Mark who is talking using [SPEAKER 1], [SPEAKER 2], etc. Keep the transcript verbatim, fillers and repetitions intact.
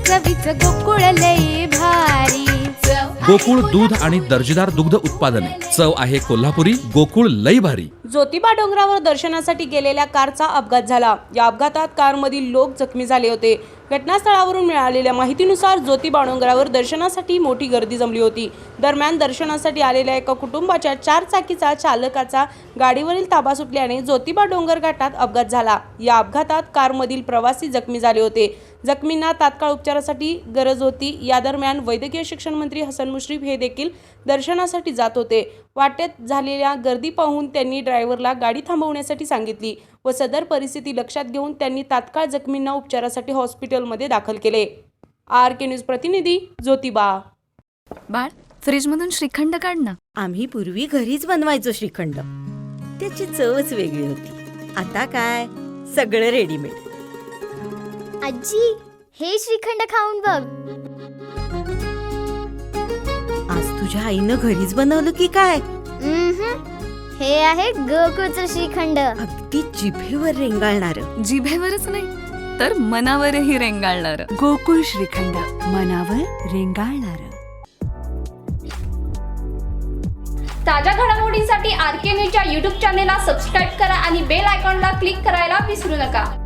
[SPEAKER 1] चवीच गोकुळ लई भारी.
[SPEAKER 2] गोकुळ दूध आणि दर्जेदार दुग्ध उत्पादने. चव आहे कोल्हापुरी. गोकुळ लई भारी.
[SPEAKER 3] ज्योतिबा डोंगरावर दर्शनासाठी गेलेल्या कारचा अपघात झाला. या अपघातात कारमधील लोक जखमी झाले होते. घटनास्थळावरून मिळालेल्या माहितीनुसार ज्योतिबा डोंगरावर दर्शनासाठी मोठी गर्दी जमली होती. दरम्यान दर्शनासाठी आलेल्या एका कुटुंबाच्या चार चाकीचा चालकाचा गाडीवरील ताबा सुटल्याने ज्योतिबा डोंगर घाटात अपघात झाला. या अपघातात कारमधील प्रवासी जखमी झाले होते. जखमींना तात्काळ उपचारासाठी गरज होती. या दरम्यान वैद्यकीय शिक्षण मंत्री हसन मुश्रीफ हे देखील दर्शनासाठी जात होते. वाटेत झालेल्या गर्दी पाहून त्यांनी ड्रायव्हरला गाडी थांबवण्यासाठी सांगितली व सदर परिस्थिती लक्षात घेऊन त्यांनी तात्काळ जखमींना उपचारासाठी हॉस्पिटलमध्ये दाखल केले. आर के न्यूज प्रतिनिधी ज्योतिबा.
[SPEAKER 4] बाळ, फ्रीजमधून श्रीखंड काढ ना.
[SPEAKER 5] आम्ही पूर्वी घरीच बनवायचो श्रीखंड. त्याची चवच वेगळी होती. आता काय सगळं रेडीमेड.
[SPEAKER 6] आजी, हे श्रीखंड खाऊन बघ.
[SPEAKER 5] आज तुझ्या आईनं घरीच बनवलं की काय?
[SPEAKER 6] हे आहे गोकुळचं श्रीखंड.
[SPEAKER 5] अगदी जिभेवर रेंगाळणार.
[SPEAKER 4] जिभेवरच नाही तर मनावरही रेंगाळणार.
[SPEAKER 7] गोकुळ श्रीखंड, मनावर रेंगाळणार.
[SPEAKER 8] ताज्या घडामोडींसाठी आर के न्यूजच्या यूट्यूब चॅनेलला सबस्क्राईब करा आणि बेल आयकॉनला क्लिक करायला विसरू नका.